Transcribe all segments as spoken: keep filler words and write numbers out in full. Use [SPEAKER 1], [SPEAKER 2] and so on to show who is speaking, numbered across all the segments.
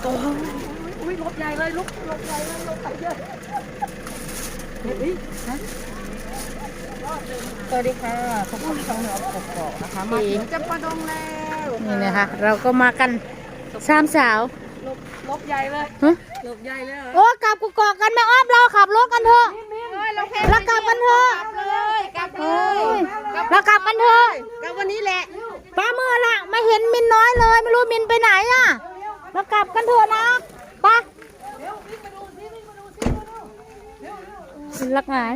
[SPEAKER 1] โอ้ยอุ้ยรถใหญ่เลยลุกรถใหญ่เลยรถใหญ่เยอะเฮ้ยฮะสวัสดีค่ะพบกับช่องเหนือกบกนะคะมาถึงจำปาดงแล้วนี่นะคะเราก็มากันสามสาวรถรถใหญ่เลยรถใหญ่เลยโอ้กลับกุกอกกันแม่อ้อมเราขับรถกันเถอะเรากลับกันเถอะกลับเลยเรากลับกันเถอะกลับวันนี้แหละป้าเมื่อละไม่เห็นมินน้อยเลยไม่รู้มินไปไหนอ่ะเรากลับกันเถอะนะป้าลักหาย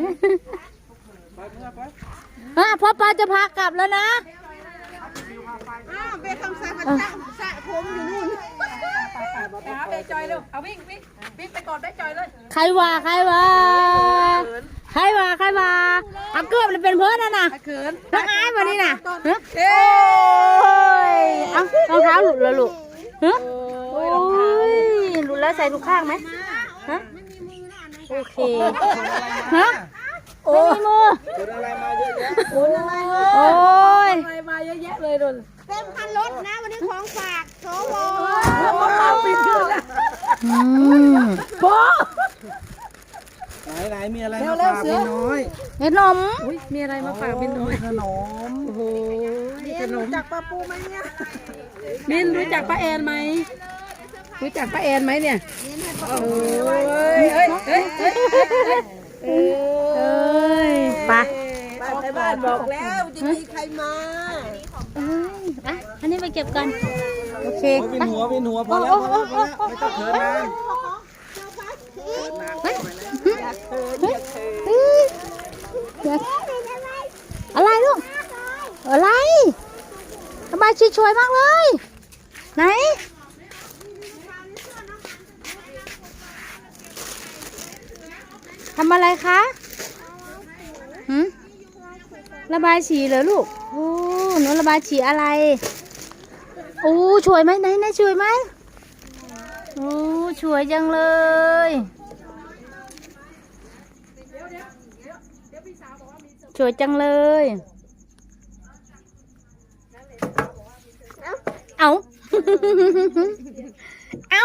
[SPEAKER 1] อ่ะพ่อป้าจะพากลับแล้วนะ
[SPEAKER 2] อ้าวเบคคำสั่งมันตั้งสระผมอยู่นู่นหาเบจอยเร็วเอาวิ่งวิ่งวิ่งไปก่อนเบจอยเลย
[SPEAKER 1] ใครว่าใครว่าใครว่าใครว่าเอาเกือบเลยเป็นเพื่อนนะนะลักหายวันนี้น่ะเฮ้ยเอารองเท้าหลุดแล้วลูกฮะโอ้ยหลุดแล้วใส่ทุกข้างไหมฮะโอเคฮะโอ้ยมือคนอะไรมาเยอะแยะคนอะไรโอ้ยอะไรมาเยอะแยะเลยดุน
[SPEAKER 2] เต็มคันรถนะวันนี้ของฝากโซโล
[SPEAKER 1] เอาปิดขึ้นละโบ
[SPEAKER 3] ไหนไหนมีอะไรมาฝากพี่น้อย
[SPEAKER 1] เห็นนมมีอะไรมาฝากพี่น้อย
[SPEAKER 3] ขนม
[SPEAKER 1] โอ้โห
[SPEAKER 2] ขนมจากป้าปูไหมเนี่ย
[SPEAKER 1] มินรู้จักป้าแอนไหมรู้จักป้าแอนไหมเนี่ยโอ้ยเฮ้ยเฮ้ยเฮ้ยเอ้ยไป
[SPEAKER 2] ไปบ้านบอกแล้วจะมีใครมา
[SPEAKER 1] อ่ะอันนี้ไปเก็บกันโอเค
[SPEAKER 3] วินหัววินหัวพอแล้วพอแล้วพอแล้วไม่ต้องเถินนาน
[SPEAKER 1] อะไรลูกอะไรสบายชิช่วยมากเลยไหนทำอะไรคะหืมระบายสีเหรอลูกโอ้หนูระบายสีอะไรโอ้ช่วยไหมไหนไหนช่วยไหมโอ้ช่วยจังเลยช่วยจังเลยเอาเอา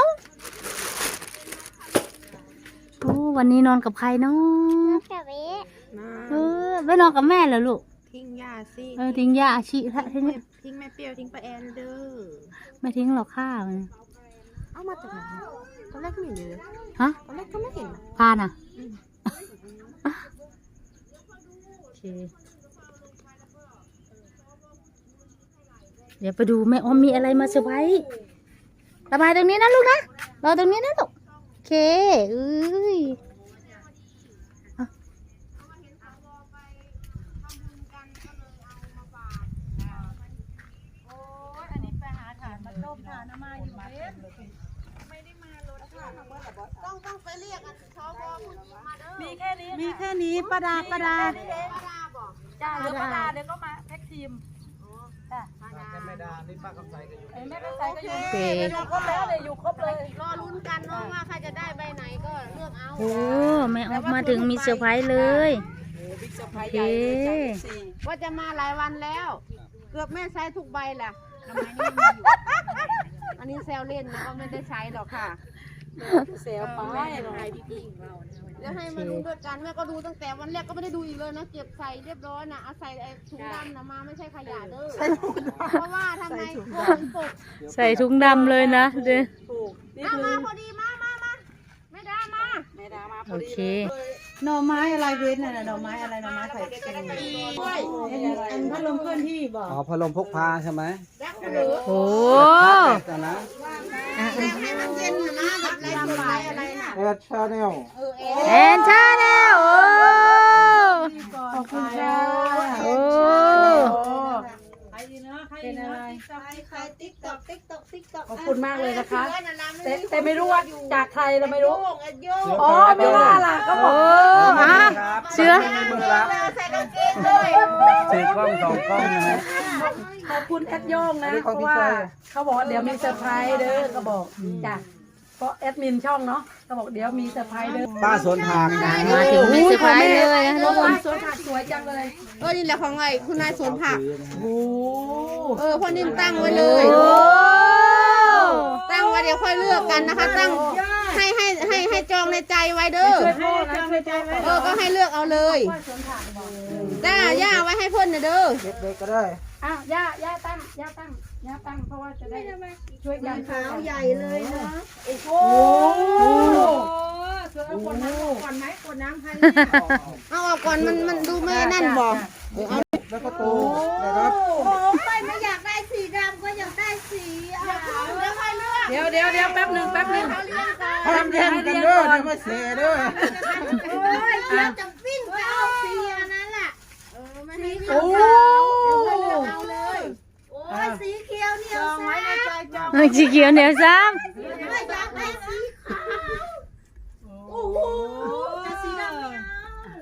[SPEAKER 1] โอ้วันนี้นอนกับใครเนาะเออไม่นอนกับแม่เหรอลูก
[SPEAKER 2] ทิ้งยาสิ
[SPEAKER 1] เออทิ้งยาอาชีพทิ้ง
[SPEAKER 2] ทิ้งแม่เปรี้ยวทิ้งป้าแอนเด้อ
[SPEAKER 1] ไม่ทิ้งหรอกข้าว
[SPEAKER 2] เอามาจากไหนตอนแรกไม่เห็นเลย
[SPEAKER 1] ฮะ
[SPEAKER 2] ตอนแรกก็ไม่เห็น
[SPEAKER 1] พาน่ะโอเคเดี๋ยวไปดูแม่ออมมีอะไรมาเซอร์ไพรส์ระบายตรงนี้นะลูกนะรอตรงนี้นะลูกโอเคเอ้ย
[SPEAKER 2] ต้องต้องไปเรียกชาวบอผู้หญิงมาเด้อ
[SPEAKER 1] มีแค่นี้
[SPEAKER 2] มีแค่นี้ป้าดาป้าดา
[SPEAKER 1] จ้าเดี๋ยวป้าดาเดี๋ยวก็มาแพ็กทีม
[SPEAKER 3] จ้าแม่ดานี่ป้าคำใสก็อยู่
[SPEAKER 1] แม่คำใสก็อยู่อยู่ครบแล้วเลยอยู่ครบเลย
[SPEAKER 2] รอลุ้นกันเนาะว่าใครจะได้ใบไหนก็เลือกเอา
[SPEAKER 1] โอ้แม่ออกมาถึงมีเซอร์ไพรส์เลยโอเค
[SPEAKER 2] ว่าจะมาหลายวันแล้วเกือบแม่ใช้ทุกใบแหละอันนี้แซวเล่นนะก็ไม่ได้ใช้หรอกค่ะ
[SPEAKER 1] เซลไป
[SPEAKER 2] เดี๋ยวให้มาดูด้วยกันแม่ก็ดูตั้งแต่วันแรกก็ไม่ได้ดูอีกเลยนะเก็บใส่เรียบร้อยนะเอาใส่ถุงดำนะมาไม่ใช่ขยะเด้อเพราะว่าทำไมคนปก
[SPEAKER 1] ใส่ถุงดำเลยนะเด้อ
[SPEAKER 2] เอามาพอดีมามามาไม่ได้มา
[SPEAKER 1] ไม่ได้มาโอเค
[SPEAKER 4] หน่อไม้อะไรเว้นน่ะหน่อไม้อะไรหน่อไม้ไข่เค็มอันพัดลมเคลื่อนที่บอก
[SPEAKER 3] อ๋อพัดลมพกพาใช่ไหม
[SPEAKER 1] โอ้
[SPEAKER 3] แต่นะ
[SPEAKER 2] ให้มันเย็นนะแบบไรสบายอะไรน่ะ
[SPEAKER 3] แอดชาแนล
[SPEAKER 1] แอนชาแนลโอ้
[SPEAKER 4] ขอบคุณจ้า
[SPEAKER 1] โอ้
[SPEAKER 4] เป็นอะไร
[SPEAKER 2] ใครติ๊กตอกติ๊กตอกติ๊กตอก
[SPEAKER 1] ขอบคุณมากเลยนะคะแต่แต่ไม่รู้ว่าจากใครเราไม่รู้
[SPEAKER 2] อ๋อ
[SPEAKER 1] ไม่ว่าล่ะก็บอกฮะเชื้อ
[SPEAKER 2] ใส่กางเกงเลย
[SPEAKER 3] สี่กล้องสองกล้องนะฮะ
[SPEAKER 1] ขอบคุณแอดโย่งนะเพราะว่าเขาบอกเดี๋ยวมีเซอร์ไพรส์เด้อก็บอกจ้ะเพราะแอดมินช่องเนาะเขาบอกเดี๋ยวมีเซอร์ไพรส์เด้อ
[SPEAKER 3] ป้าสวนผัก
[SPEAKER 1] มาถึงมีเซอร์ไพรส์เลยนะทุกคน
[SPEAKER 2] สวนผักสวยจังเลยเออนี่แหละของไงคุณนายสวนผัก
[SPEAKER 1] โอ้
[SPEAKER 2] เออพ่อนิ่มตั้งไว้เลย
[SPEAKER 1] โอ้
[SPEAKER 2] ตั้งไว้เดี๋ยวค่อยเลือกกันนะคะ ตั้งให้ให้ให้ให้จองในใจไว้เด้อ
[SPEAKER 4] ให้จำในใจไว้
[SPEAKER 2] เออก็ให้เลือกเอาเลยจ้าย่าไว้ให้เพิ่นนะเด้อ
[SPEAKER 3] เด็กๆก็ได้
[SPEAKER 4] อ้าวย่าย่าตั้งย่าตั้งย่าตั้งเพราะว่าจะได้ช่วยกันขาวใหญ่เลยเนาะโอ้โหเสือคนน้ำก่อนไหมคนน้ำใคร
[SPEAKER 2] เอาออกก่อนมันมันดูไม่นั่นบอก
[SPEAKER 3] แล้วก็ตูนะครับ
[SPEAKER 4] โอ้ไม่ไม่อยากได้สีดำก็อยากได้สีเดี๋ยวเดี๋ยวเดี๋ยวแป๊บหนึ่งแป๊บหนึ่ง
[SPEAKER 3] ห้ามแย่งกันเด้อเดี๋ยวมาเสียเด้อ
[SPEAKER 4] โอ้ยเดี๋ยวจะปิ้งไปเอาสีอันนั้นแหละ
[SPEAKER 2] โอ้
[SPEAKER 4] เอาเลยโอ้ยสีเขียวเหนียวไว้ในใจจอง
[SPEAKER 1] สีเขียวเหนียวซ้
[SPEAKER 4] ไม่อยากได้สีขาวโอ้โหจะสีดำไม่เอา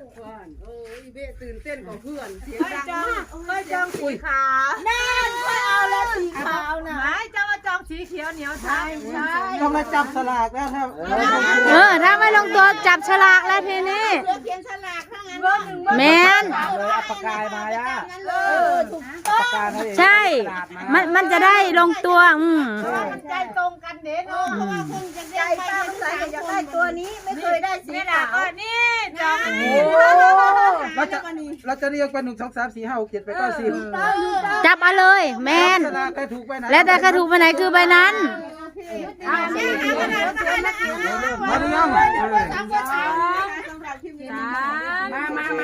[SPEAKER 4] ไม่จองไม่จองสีขาวแน่นค่อยเอาแล้วสีขาวนะไม่จองมาจองสีเขียวเหนียวใช่ใช่
[SPEAKER 3] ต้องมาจับสลากแล้วครับ
[SPEAKER 1] ำเออถ้าไม่ลงตัวจับฉลากแล้วทีนี้
[SPEAKER 2] เลือกเขียนฉลากถ้างั้น
[SPEAKER 1] แมน
[SPEAKER 3] เลยเอาปากกายมาย่า
[SPEAKER 2] เออถูก
[SPEAKER 3] ปากกาให้
[SPEAKER 1] ใช่ มันมันจะได้ลงตัวอืม
[SPEAKER 4] ใจตรงกันเด็ด
[SPEAKER 2] เพราะว่าคงจะ
[SPEAKER 4] ใจ
[SPEAKER 2] ได้ไป
[SPEAKER 4] ป้า
[SPEAKER 2] ทั้ง
[SPEAKER 4] ใส่
[SPEAKER 2] สาม
[SPEAKER 4] อยาก
[SPEAKER 2] ค
[SPEAKER 4] ได้
[SPEAKER 2] น
[SPEAKER 4] ตัวนี้ไม่เคยได้สีขาวนี่จอง
[SPEAKER 3] เราจะเราจะเรียกเป็นหนึ่งสองสามสี่ห้าหกเจ็ดแปดเก้าสิบ
[SPEAKER 1] จับเอาเลยแมน
[SPEAKER 3] สลากใครถูกไปไหน
[SPEAKER 1] แล้วแต่ใครถูกไปไหนคือไปนั้น
[SPEAKER 3] มาหรือยัง
[SPEAKER 4] มามามา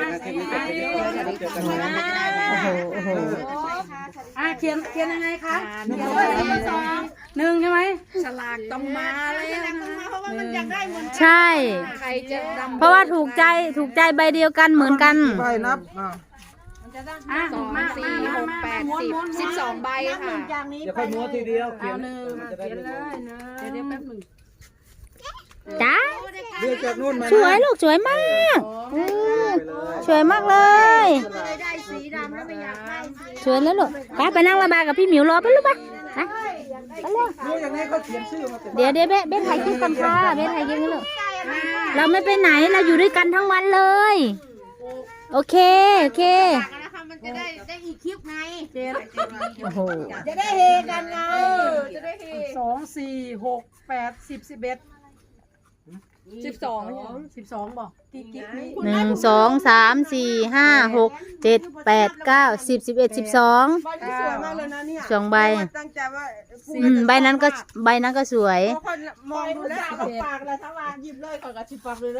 [SPEAKER 1] โอ้โหโอ้โห
[SPEAKER 4] อ่ะเขียนเขียนยังไงคะหนึ่งหนึ่งใช่ไหมฉลากต้องมาเลย
[SPEAKER 2] เพราะว่ามันอยากได้เหมือน
[SPEAKER 1] ใช่
[SPEAKER 2] ใครจะดำ
[SPEAKER 1] เพราะว่าถูกใจถูกใจใบเดียวกันเหมือนกัน
[SPEAKER 3] ใบนับอ่า
[SPEAKER 4] อ่ะสองสี่หกแปดสิบสิบสองใบค่ะ
[SPEAKER 3] เดี๋ยวค่อยม้วนทีเดียวเขียน
[SPEAKER 4] เขียนเลยนะเดี๋ยวแป๊บหนึ่ง
[SPEAKER 1] จ้า
[SPEAKER 3] เรียกจากนู่นมา
[SPEAKER 1] สวยลูกสวยมากอืมสวยมากเลย
[SPEAKER 4] ได้สีดำแล้วไม่อยากได้สี
[SPEAKER 1] สวยแล้วลูกไปไปนั่งระบายกับพี่หมิวรอไปลูกไปไปไปเลย
[SPEAKER 3] ดูอย่างนี้เขาเขียนชื่อมาเต็ม
[SPEAKER 1] เดี๋ยวเดี๋ยวเบ๊ะเบ๊ะถ่ายคลิปกันค่ะเบ๊ะถ่ายคลิปกันลูกเราไม่ไปไหนเราอยู่ด้วยกันทั้งวันเลย โอเคโอเค
[SPEAKER 2] นะคะมันจะได้ได้อีกคลิปไง
[SPEAKER 1] โอ้โห
[SPEAKER 4] จะได้เฮกันไงจะได้เฮสองสี่หกแปดสิบสิบเอ็ดสิบสองสิบสองบอกกี่กิ๊กนี้
[SPEAKER 1] หนึ่งสองสามสี่ห้าหกเจ็ดแปดเก้าสิบสิบเอ็ดสิบสอง
[SPEAKER 2] ใบที่สวยมากเลยนะเนี่ย
[SPEAKER 1] สองใบ
[SPEAKER 2] ตั้งใจว่า
[SPEAKER 1] อืมใบนั้นก็ใบนั้นก็สวย
[SPEAKER 2] พอคนมองดูแล้วปากเลยทั้งวันหยิบเลยก่อนกับชิบปากเลยเลย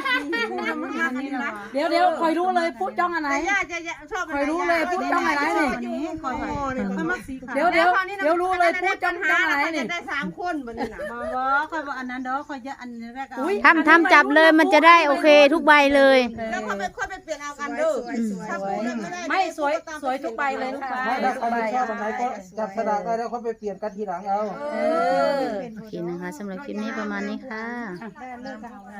[SPEAKER 4] เดี๋ยวเดี๋ยวคอยรู้เลยพูดจ้องอันไหน
[SPEAKER 2] ย่าจะชอบ
[SPEAKER 4] คอยรู้เลยพูดจ้องอันไหนนี่เดี๋ยวเดี๋ยวเดี๋ยวรู้เลยพูดจ้องจ้องอันไหนนี่
[SPEAKER 2] ได้สามคนบันนี้นะ
[SPEAKER 4] คอยบอกอันนั้นเด้อคอยจะอันแรกเอา
[SPEAKER 1] ทำทำจับเลยมันจะได้โอเคทุกใบเลย
[SPEAKER 2] แล้วเขาไปค่อยไปเปลี่ยนเอากันเด้อถ้าพูดแล้วไม่ได้
[SPEAKER 4] ไม่สวยสวยทุกใบเลยค่ะ
[SPEAKER 3] ถ้าใครไม่ชอบอันไหนก็จับสลากได้แล้วเขาไปเปลี่ยนกันทีหลังเอา
[SPEAKER 4] เออ
[SPEAKER 1] โอเคนะคะสำหรับคลิปนี้ประมาณนี้ค่ะ
[SPEAKER 4] ได้เลิกกัน